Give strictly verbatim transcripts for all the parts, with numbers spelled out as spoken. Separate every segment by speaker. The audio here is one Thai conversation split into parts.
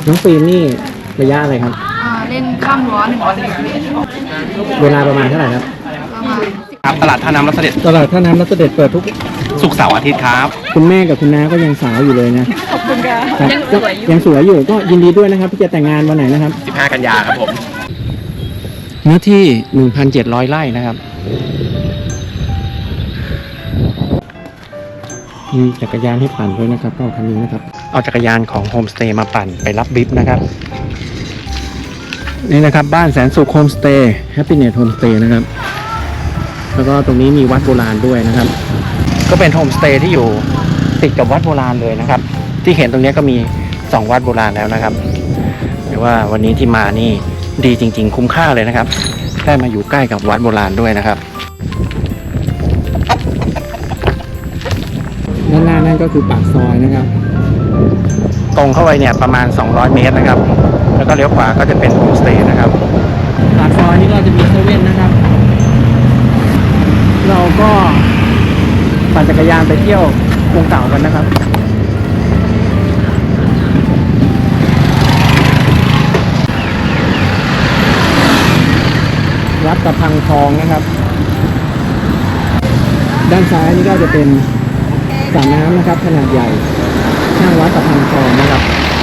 Speaker 1: น้องฟิล์มนี่ระยะอะไรครับ
Speaker 2: เล่นข้ามรั้วหนึ่งร้อยเมตร
Speaker 1: เวลาประมาณเท่าไหร่ครับ
Speaker 3: ครับตลาดท่าน้ำรัศเด็จ
Speaker 1: ตลาดท่าน้ำรัศเด็จเปิดทุก
Speaker 3: ศุกร์เสาร์อาทิตย์ครับ
Speaker 1: คุณแม่กับคุณน้าก็ยังสาวอยู่เลยนะ
Speaker 2: ขอบคุณค่ะยังสวยอยู่
Speaker 1: ยังสวยอยู่ก็ยินดีด้วยนะครับที่จะแต่งงานวันไหนนะครับ
Speaker 3: สิบห้ากันยาครับผม
Speaker 1: เนื้อที่ หนึ่งพันเจ็ดร้อย ไร่นะครับมีจักรยานให้ปั่นด้วยนะครับก็คันนี้นะครับเอาจักรยานของโฮมสเตย์มาปั่นไปรับบิ๊บนะครับนี่นะครับบ้านแสนสุขโฮมสเตย์แฮปปี้เนสโฮมสเตย์นะครับแล้วก็ตรงนี้มีวัดโบราณด้วยนะครับก็เป็นโฮมสเตย์ที่อยู่ติดกับวัดโบราณเลยนะครับที่เห็นตรงนี้ก็มีสองวัดโบราณแล้วนะครับหรือว่าวันนี้ที่มานี่ดีจริงๆคุ้มค่าเลยนะครับได้มาอยู่ใกล้กับวัดโบราณด้วยนะครับด้านหน้านั่นก็คือปากซอยนะครับตรงเข้าไปเนี่ยประมาณสองร้อยเมตรนะครับแล้วก็เลี้ยวขวาก็จะเป็นโฮมสเตย์นะครับปากซอยนี้ก็จะมีเซเว่นนะครับเราก็ปั่นจักรยานไปเที่ยวกรุงเก่ากันนะครับวัดตะพังทองนะครับด้านซ้ายนี่ก็จะเป็นสระน้ำนะครับขนาดใหญ่ข้างวัดตะพังทองนะครับ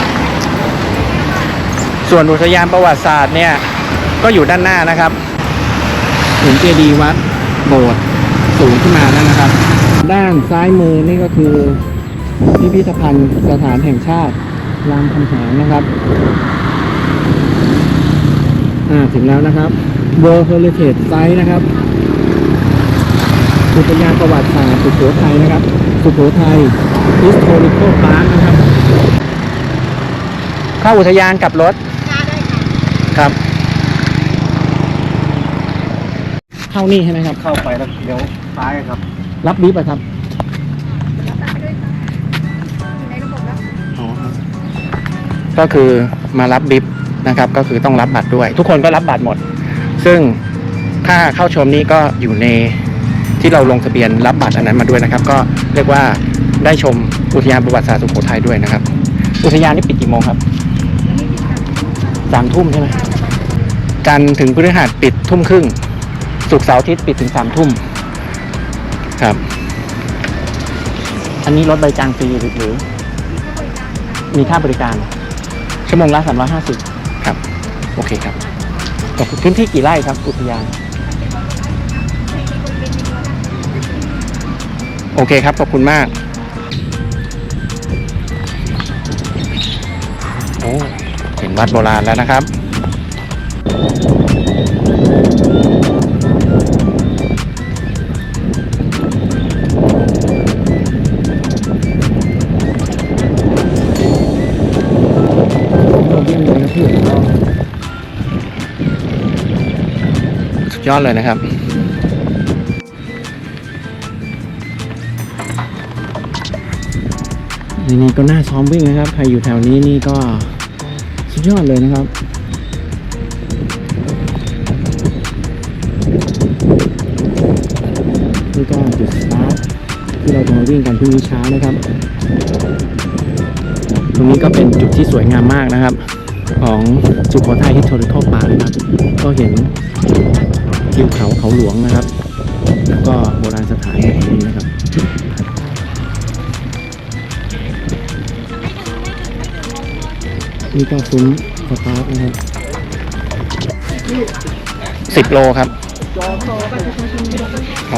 Speaker 1: ส่วนอุทยานประวัติศาสตร์เนี่ยก็อยู่ด้านหน้านะครับเห็นเจดีย์วัดโบสถ์สูงขึ้นมาแล้วนะครับด้านซ้ายมือนี่ก็คือพิพิธภัณฑ์สถานแห่งชาติรามคำแหงนะครับอ่าถึงแล้วนะครับ World Heritage Site นะครับอุทยานประวัติศาสตร์สุโขทัยนะครับสุโขทัย Historical Park นะครับเข้าอุทยานกับรถครับเข้านี่ใช่ไหมครับ
Speaker 3: เข้าไปแล้วเดี๋ยวซ้ายครับ
Speaker 1: รับบิ๊บอะครับก็คือมารับบิ๊บนะครับก็คือต้องรับบัตรด้วยทุกคนก็รับบัตรหมดซึ่งค่าเข้าชมนี้ก็อยู่ในที่เราลงทะเบียนรับบัตรอันนั้นมาด้วยนะครับก็เรียกว่าได้ชมอุทยานประวัติศาสตร์สุโขทัยด้วยนะครับอุทยานนี่ปิดกี่โมงครับสามทุ่มใช่ไหมจันทร์ถึงพฤหัสปิดทุ่มครึ่งศุกร์เสาร์อาทิตย์ปิดถึงสามทุ่มครับอันนี้รถใบจางฟรีหรือมีค่าบริการชั่วโมงละสามร้อยห้าสิบครับโอเคครับพื้นที่กี่ไร่ครับอุทยานโอเคครับขอบคุณมากโอ้เห็นวัดโบราณแล้วนะครับสุดยอดเลยนะครับนี่ก็น่าซ้อมวิ่งนะครับใครอยู่แถวนี้นี่ก็สุดยอดเลยนะครับนี่ก็จุดสตาร์ทที่เราจะมาวิ่งกันพรุ่งนี้เช้านะครับตรงนี้ก็เป็นจุดที่สวยงามมากนะครับของสุโขทัย Historical Park นะครับก็เห็นทิวเขาเขาหลวงนะครับแล้วก็โบราณสถานแห่งนี้นะครับนี่ก็ซุ้มสตาร์ทนะครับสิบโลครับครับ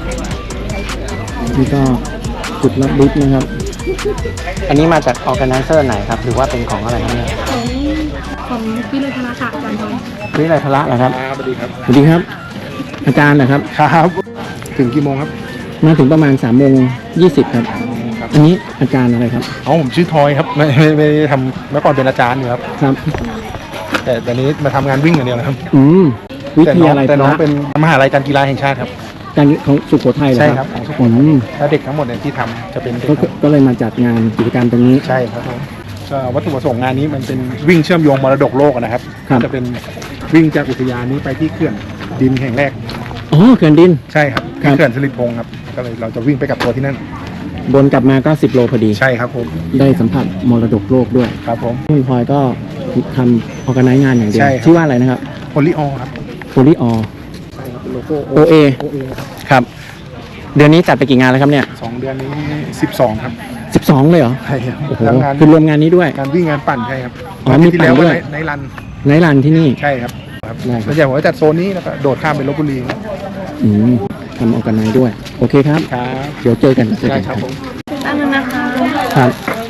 Speaker 1: นี่ก็จุดรับบิ๊กนะครับอันนี้มาจากออร์แกไนเซอร์ไหนครับหรือว่าเป็นของอะไรครับเนี่ย
Speaker 2: ของของวิเลยพละค่ะอาจารย์ทอง
Speaker 1: วิเลยพละเหรอครับ
Speaker 3: สวัสดีครับ
Speaker 1: สวัสดีครับอาจารย์นะครับ
Speaker 3: ครับถึงกี่โมงครับ
Speaker 1: มาถึงประมาณสามโมงยี่สิบครับอันนี้อาจารย์อะไรครับ
Speaker 3: อ๋อผมชื่อทอยครับไม่ไม่ไม่ทำเมื่อก่อนเป็นอาจารย์อยู่ครับ
Speaker 1: ครับ
Speaker 3: แต่ตอนนี้มาทำงานวิ่งอย่างเดียวนะครับ
Speaker 1: อืมวิทยาลัย
Speaker 3: แต่น้องเป็นมหาลัยการกีฬาแห่งชาติครับ
Speaker 1: การของสุโขทัยเหรอครับ
Speaker 3: ใช่ครับของสุโขทัยแล้วเด็กทั้งหมดเนี่ยที่ทำจะเป็น
Speaker 1: ก็เลยมาจัดงานกิจกรรมตรงนี้
Speaker 3: ใช่ครับก็วัตถุประสงค์งานนี้มันเป็นวิ่งเชื่อมโยงมรดกโลกนะครับจะเป็นวิ่งจากอุทยานนี้ไปที่เขื่อนดินแห่งแรก
Speaker 1: อ๋อเขื่อนดิน
Speaker 3: ใช่ครับเขื่อนสิริพงศ์ครับก็เลยเราจะวิ่งไปกับตัวที่นั่น
Speaker 1: บนกลับมาก็สิบโลพอดี
Speaker 3: ใช่ครับผม
Speaker 1: ได้สัมผัสมรดกโลกด้วย
Speaker 3: ครับผม
Speaker 1: คุณพลอยก็ทำออกไนงานอย่างเดียว
Speaker 3: ใช่ครับ
Speaker 1: ชื่อว่าอะไรนะครับ
Speaker 3: โพลีออครับ
Speaker 1: โพลีออ
Speaker 3: ใช่ครับเป็นโลโก้
Speaker 1: โอเอ
Speaker 3: โอเอครับ
Speaker 1: ครับ เดือนนี้จัดไปกี่งานแล้วครับเนี่ย
Speaker 3: สองเดือนนี้สิบสองครับ
Speaker 1: สิบสองเลยเหรอ
Speaker 3: ใช่ครับ
Speaker 1: โอ้โห
Speaker 3: ทั้งงาน
Speaker 1: คือรวมงานนี้ด้วย
Speaker 3: งานวิ่งงานปั่นใช่ครับ
Speaker 1: อ๋อมี
Speaker 3: ที่
Speaker 1: ปั่น
Speaker 3: แล้ว
Speaker 1: ด้
Speaker 3: ก็
Speaker 1: วย
Speaker 3: ในในรัน
Speaker 1: ไนท์รันที่นี่
Speaker 3: ใช่ครับครับ
Speaker 1: ได้ครับ
Speaker 3: ส่วนใหญ่ผมก็จัดโซนนี้แล้วก็โดดข้ามไปลพบุรีครับ
Speaker 1: อืมทำออกไนด้วย โอเคครับ
Speaker 3: ครับ
Speaker 1: เดี๋ยวเจอกันเจอ
Speaker 3: ได้
Speaker 1: กัน
Speaker 3: ครับผม
Speaker 2: ตั้งนะคะ
Speaker 1: ครับ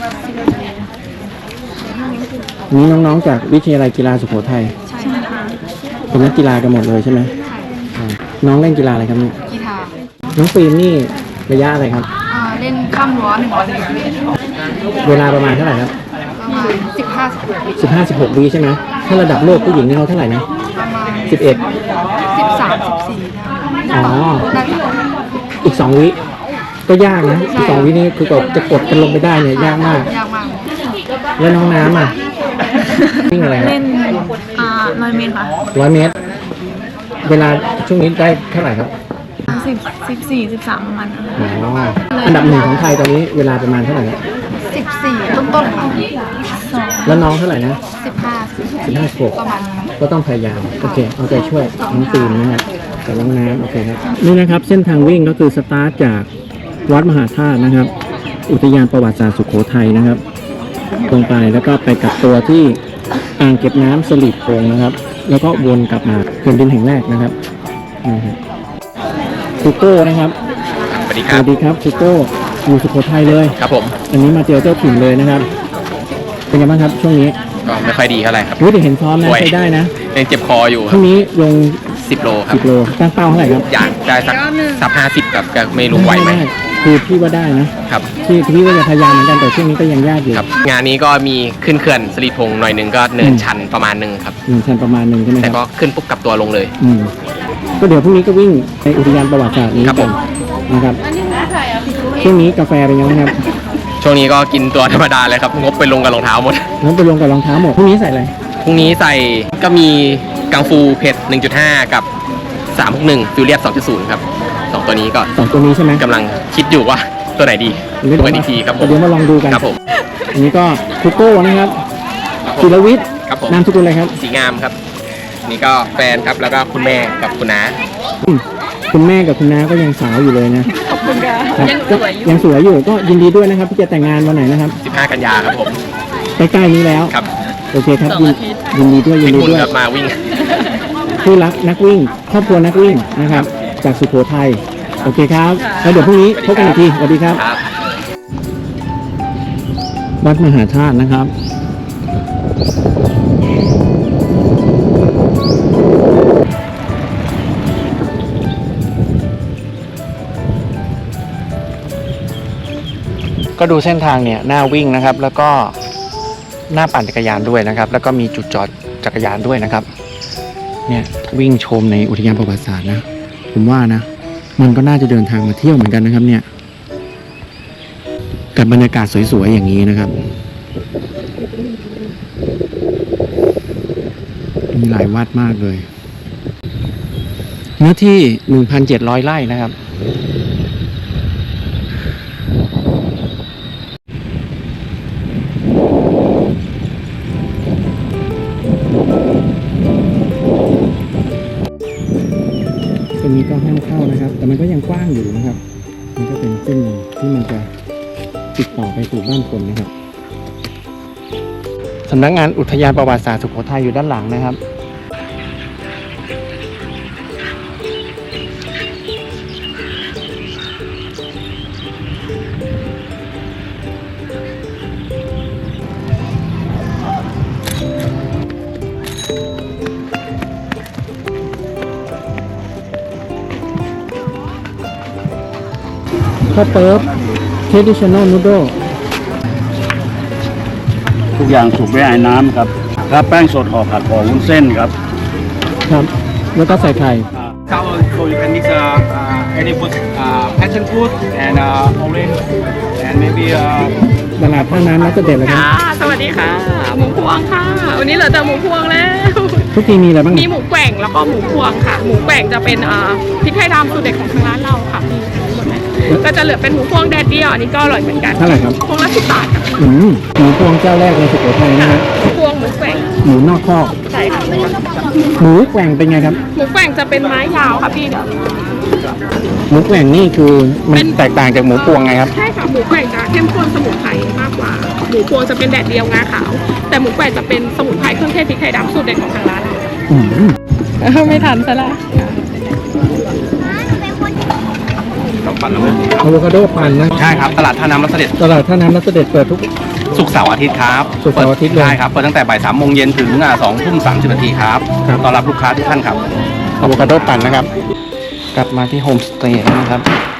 Speaker 1: นี่น้องๆจากวิทยาลัยกีฬาสุโขทัย
Speaker 2: ใช่ค่ะ
Speaker 1: เป็นนักกีฬากันหมดเลยใช่ไหมอ่าน้องเล่นกีฬาอะไรครับเนี่ย
Speaker 2: กีฬา
Speaker 1: น้องฟิล์มนี่ระยะอะไรครับ
Speaker 2: อ่าเล่นข้ามรั้วหนึ่งร้อยเมตร
Speaker 1: เวลาประมาณเท่าไหร่ครับ
Speaker 2: ประมาณสิบห้าสิบหก
Speaker 1: สิบห้าสิบหกวิใช่ไหมถ้าระดับโลกผู้หญิงนี่เขาเท่าไหร่นะ
Speaker 2: ประมาณ
Speaker 1: สิบเอ็ด
Speaker 2: สิบสามสิบสี่
Speaker 1: อ๋อ
Speaker 2: น่าจะ
Speaker 1: อีกสองวิก็ยากนะอีกสองวินี่คือกดจะกดกันลงไปได้เนี่ยยากมาก
Speaker 2: ยากมาก
Speaker 1: แล้วน้องน้ำอ่ะวิ่งอะไรครับ
Speaker 2: เล่นอ่าร้อยเมตรค่ะ
Speaker 1: ร้อยเมตร เวลาช่วงนี้ได้เท่าไหร่ครับ
Speaker 2: สิบสิบสี่สิบสามประมาณนั้น
Speaker 1: อ๋ออันดับหนึ่งของไทยตอนนี้เวลาประมาณเท่าไหร่ครับ
Speaker 2: สิบสี่ต้นต้นๆค่ะสอง
Speaker 1: แล้วน้องเท่าไหร่นะ
Speaker 2: สิบห้าสิบ
Speaker 1: สิบห้าหก
Speaker 2: ประมาณนี้
Speaker 1: ก็ต้องพยายามโอเคเอาใจช่วยน้องฟิล์มนะครับกับน้องน้ำโอเคครับนี่นะครับเส้นทางวิ่งก็คือสตาร์ทจากวัดมหาธาตุนะครับ อุทยานประวัติศาสตร์สุโขทัยนะครับตรงไปแล้วก็ไปกลับตัวที่อ่างเก็บน้ำสลีปโพงนะครับ แล้วก็วนกลับมาเขื่อนดินแห่งแรกนะครับนี่ครับซูโก้นะครับ
Speaker 4: สวัสดีค
Speaker 1: ส
Speaker 4: รับ
Speaker 1: วัสดีครับซูโก้อยู่สุโขทัยเลย
Speaker 4: ครับผม
Speaker 1: อันนี้มาเจอเจ้าถิ่นเลยนะครับ เป็นไงบ้างครับช่วงนี้
Speaker 4: ก็ไม่ค่อยดีเท่าไหร่ครับ
Speaker 1: รู้แต่เห็นซ้อมนะ
Speaker 4: ป่วย
Speaker 1: ใช้ได้นะ
Speaker 4: ยังเจ็บคออยู่
Speaker 1: ช่วงนี้ลง
Speaker 4: สิบโลครั
Speaker 1: สิ
Speaker 4: บบ
Speaker 1: โลตั้งเป้าเท่าไหร่ครับ
Speaker 4: อยากได้สักสักห้าสิบกับก็ไม่รู้ไหวไหม
Speaker 1: ด้คือพี่ว่าได้นะครับ ที่พี่ว่าจะพยายามเหมือนกันแต่ช่วงนี้ก็ยังยากอยู่
Speaker 4: ครับ งานนี้ก็มีขึ้นเขื่อนสลีพงหน่อยหนึ่งก็เนินชันประมาณหนึ่งครับ
Speaker 1: หนึ่งชันประมาณหนึ่งใช่ไหมค
Speaker 4: แต่
Speaker 1: รับ
Speaker 4: ก็ขึ้นปุ๊บกลับตัวลงเลย
Speaker 1: อืมก็เดี๋ยวพรุ่งนี้ก็วิ่งในอุทยานประวัติศาสตร์นี้
Speaker 4: ครับ
Speaker 1: กั
Speaker 4: ผ
Speaker 1: น
Speaker 4: ม
Speaker 1: นะครับช่วงนี้กาแฟเป็นยังไงครับ
Speaker 4: ช่วงนี้ก็กินตัวธรรมดาเลยครับ งบไปลงกับรองเท้าหมด
Speaker 1: งั้นไปลงกับรองเท้าหมดพรุ่งนี้ใส่อะไร
Speaker 4: พรุ่งนี้ใส่ก็มีกังฟูเผ็ด หนึ่งจุดห้า กับสามหกหนึ่งฟิวเรียบ สองจุดศูนย์ ครับสองตัวนี้ก็
Speaker 1: สองตัวนี้ใช่ไหม
Speaker 4: กำลังคิดอยู่ว่าตัวไหนดี
Speaker 1: เดี๋ยว
Speaker 4: ตัวอีกทีครับผม
Speaker 1: เดี๋ยวมาลองดูกัน
Speaker 4: ครับผม
Speaker 1: อันนี้ก็คุโก้นะครับจิรวิทย์
Speaker 4: ครับผม
Speaker 1: นามสกุลอะไรครับ
Speaker 4: สีงามครับ นี่ก็แฟนครับแล้วก็คุณแม่กับคุณน้า
Speaker 1: อืมคุณแม่กับคุณน้าก็ยังสาวอยู่เลยนะขอบคุณค่ะยังสวยอยู่ก็ยินดีด้วยนะครับที่จะแต่งงานวันไหนนะครับ
Speaker 4: สิบห้า กันยาครับผม
Speaker 1: ใกล้ๆนี้แล้ว
Speaker 4: ครับ
Speaker 1: โอเคครับยินยินดีด้วยยิ
Speaker 4: เป็น น
Speaker 1: ดี
Speaker 4: คุณ
Speaker 1: ด้วย
Speaker 4: ครับมาวิ่ง
Speaker 1: ผู้รักนักวิ่ง ครอบครัวนักวิ่งนะครับ จากสุโขทัยโอเคครับแล้วเดี๋ยวพรุ่งนี้พบกันอีกทีสวัสดีครับ
Speaker 4: ครับ
Speaker 1: วัดมหาธาตุนะครับ ก็ดูเส้นทางเนี่ยหน้าวิ่งนะครับ แล้วก็หน้าปั่นจักรยานด้วยนะครับ แล้วก็มีจุดจอดจักรยานด้วยนะครับ เนี่ยวิ่งชมในอุทยานประวัติศาสตร์นะ ผมว่านะ มันก็น่าจะเดินทางมาเที่ยวเหมือนกันนะครับ เนี่ย กับบรรยากาศสวยๆอย่างนี้นะครับ มีหลายวัดมากเลย เนื้อที่ หนึ่งพันเจ็ดร้อย ไร่นะครับ ตรงนี้ก็ห้ามเข้านะครับ แต่มันก็ยังกว้างอยู่นะครับ มันก็เป็นเส้นที่มันจะติดต่อไปสู่บ้านคนนะครับ สำนักงานอุทยานประวัติศาสตร์สุโขทัยอยู่ด้านหลังนะครับ ข้าวเปิ๊บ traditional noodle
Speaker 5: ทุกอย่างสุกด้วยไอ้น้ำครับครับแป้งสดห่อผัดห่อวุ้นเส้นครับ
Speaker 1: ครับ แล้วก็ใส่ไข่
Speaker 6: Cow, so you can mix uh, uh, any food, uh, passion fruit and uh, orange and maybe uh,
Speaker 1: ตลาดท่าน้ำนักเด็ดเลยครับ
Speaker 7: ค่ะสวัสดีค่ะ หมูพวงค่ะ วันนี้เหลือแต่หมูพวงแล้ว
Speaker 1: ทุกทีมีอะไรบ้าง
Speaker 7: มีหมูแกว่งแล้วก็หมูพวงค่ะ หมูแกว่งจะเป็นอ่าพริกไทยดำสูตรเด็ดของทางร้านเราค่ะมีหมดไหมก็จะเหลือเป็นหมูพวงแดดเดียวอันนี้ก็อร่อยเหมือนกัน
Speaker 1: เท่าไหร่ครับ
Speaker 7: พวงละสิบบาทค่ะ
Speaker 1: อืมหมูพวงเจ้าแรกในสุโขทัยนะฮะ
Speaker 7: หมูพวงหมูแกว่ง
Speaker 1: หมูนอกคอก
Speaker 7: ใช่ค่ะ
Speaker 1: หมูแกว่งเป็นไงครับ
Speaker 7: หมูแกว่งจะเป็นไม้ยาวค่ะพี่เดี๋ยว
Speaker 1: หมูแกว่งนี่คือมั
Speaker 7: เป็น น
Speaker 1: แตกต่างจากหมูพวงไงครับ
Speaker 7: ใช่ค่ะหมูแกว่งจะเข้มข้นสมุนไพรมากกว่าหมูพวงจะเป็นแดดเดียวงาขาว แต่หมูแกว่งจะเป็นสมุนไพรเครื่องเทศพริกไทยดำสูตรเด็ดของทางร้าน
Speaker 1: อืม
Speaker 7: ไม่ทันซะละ
Speaker 1: อะโวคาโดปั่นนะ
Speaker 4: ใช่ครับ ตลาดท่าน้ำรัสเด็จ
Speaker 1: ตลาดท่าน้ำรัสเด็จเปิดทุก
Speaker 4: ศุกร์เสาร์อาทิตย์ครับ
Speaker 1: ศุกร์เสาร์อาทิตย์เลย
Speaker 4: ใช่ครับเปิดตั้งแต่บ่ายสามโมงเย็นถึงสองทุ่มสามสิบนาทีครับ
Speaker 1: ครับ
Speaker 4: ต้อนรับลูกค้าทุกท่านครับ
Speaker 1: อะโวคาโดปั่นนะครับ กลับมาที่โฮมสเตย์แล้วนะครับ